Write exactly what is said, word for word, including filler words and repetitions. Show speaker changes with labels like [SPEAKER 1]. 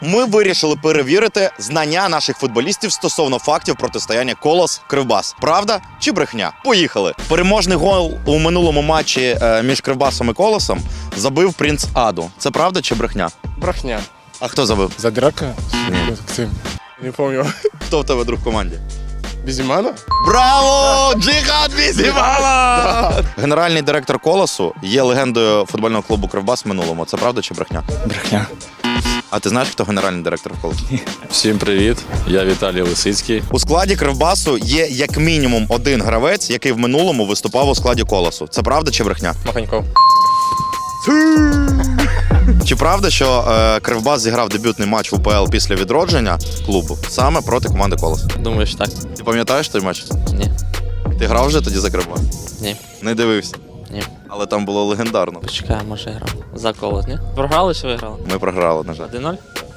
[SPEAKER 1] Ми вирішили перевірити знання наших футболістів стосовно фактів протистояння Колос-Кривбас. Правда чи брехня? Поїхали. Переможний гол у минулому матчі е, між Кривбасом і Колосом забив принц Аду. Це правда чи брехня?
[SPEAKER 2] Брахня.
[SPEAKER 1] А хто забив?
[SPEAKER 2] Задирака?
[SPEAKER 1] Ні.
[SPEAKER 2] Максим. Не помню.
[SPEAKER 1] Хто в тебе друг в команді?
[SPEAKER 2] Безімана?
[SPEAKER 1] Браво! Джихад Бізімала! Генеральний директор Колосу є легендою футбольного клубу Кривбас в минулому. Це правда чи брехня?
[SPEAKER 3] Брехня.
[SPEAKER 1] А ти знаєш, хто генеральний директор Колосу?
[SPEAKER 3] Всім привіт, я Віталій Лисицький.
[SPEAKER 1] У складі Кривбасу є як мінімум один гравець, який в минулому виступав у складі Колосу. Це правда чи брехня?
[SPEAKER 2] Маханьков.
[SPEAKER 1] Чи правда, що е, Кривбас зіграв дебютний матч в УПЛ після відродження клубу саме проти команди Колос?
[SPEAKER 4] Думаю, що так.
[SPEAKER 1] Ти пам'ятаєш той матч?
[SPEAKER 4] Ні.
[SPEAKER 1] Ти грав вже тоді за Кривбас?
[SPEAKER 4] Ні.
[SPEAKER 1] Не дивився.
[SPEAKER 4] Ні.
[SPEAKER 1] Але там було легендарно.
[SPEAKER 4] Почекай, може грав. За колос, ні? Програли чи виграли?
[SPEAKER 1] Ми програли, на жаль.
[SPEAKER 4] один нуль?